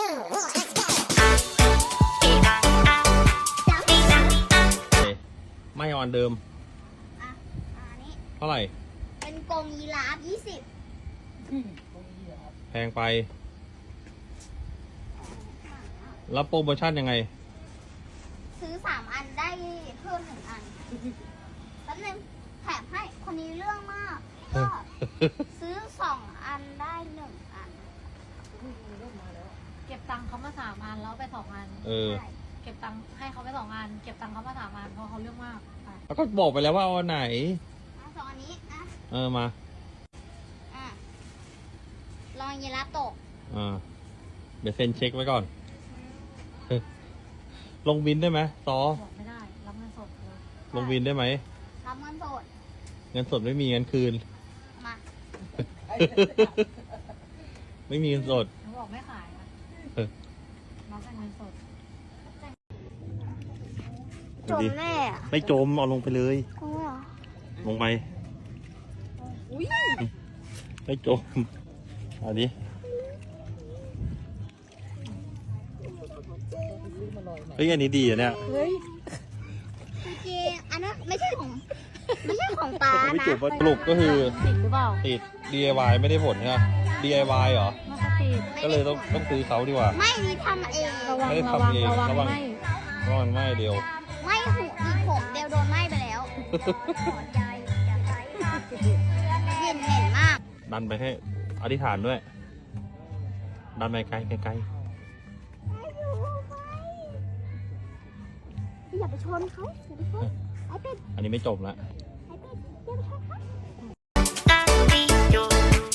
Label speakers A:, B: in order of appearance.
A: ไม่เอาอันเดิม
B: อ่ะอันนี้
A: เท่าไหร่
B: เป็นกรงยีราฟ20
A: แพงไป แล้วโปรโมชั่นยังไง
B: ซื้อ3อันได้เพิ่ม1อันแป๊บนึงแถมให้คนนี้เรื่องมากก็ซื้อ2อันได้1อัน
C: เก็บตังค์เขามา3 อันแล้วไป2 อัน
A: เออ
B: ใช่
C: เก็บตังค์ให้เขาไป2 อัน เก็บตังค์เขามา3 อันเพราะเขาเรื่องมากไป
A: แล้วก็บอกไปแล้วว่าเอาอันไหน
B: สองอันนี้นะ
A: มา
B: อ่ะลองยีราฟตก
A: เดี๋ยวเซ็นเช็คไว้ก่อน ลงบินได้ไหมซอ
C: บอกไม่ได้รับเงินสดเลย
A: ลงบินได้ไหม
B: รับเงินสด
A: เงินสดไม่มีเงินคืน
B: มา
A: ไม่มีเงินสด
C: เขาบอกไม่ขายนะ
A: เออ
C: รับแต่เงินสด
B: จมแน่อะ
A: ไม่จมเอาลงไปเลย
B: กลัว
A: ลงไปไม่จมเอาดิ เฮ้ยอันนี้ดีอ่ะเนี่ย
B: จริงๆอันนั้นไม่ใช่ของป้า
A: ไม่
B: นะ
A: จบว่าสรุปก็คือ
C: ติดหรือเปล่า
A: ติด DIY ไม่ได้ผลใช่ไหม DIY เหรอ
C: ไม่ค่อยติด
A: ก็เลยต้องซื้อเขาดีกว่า
B: ไม่นี่ทำเอง
C: ระวัง
A: ไม่ได้
C: ระวัง
A: ทำเอง
C: ระวัง
A: ระวัง
C: ไม่
A: เพราะมันไหม้เดียว
B: ไม่หูอีผมเดียวโดนไหม้ไปแล้วกลิ่นเหม็นมาก
A: ดันไปให้อธิษฐานด้วย ดันไปไกลไกล
B: อย่าไปชนเขาอย่าไปชนไอ้เป็ด
A: อันนี้ไม่จบละ
B: ไอ้เป็ดอย่าไปชนเขา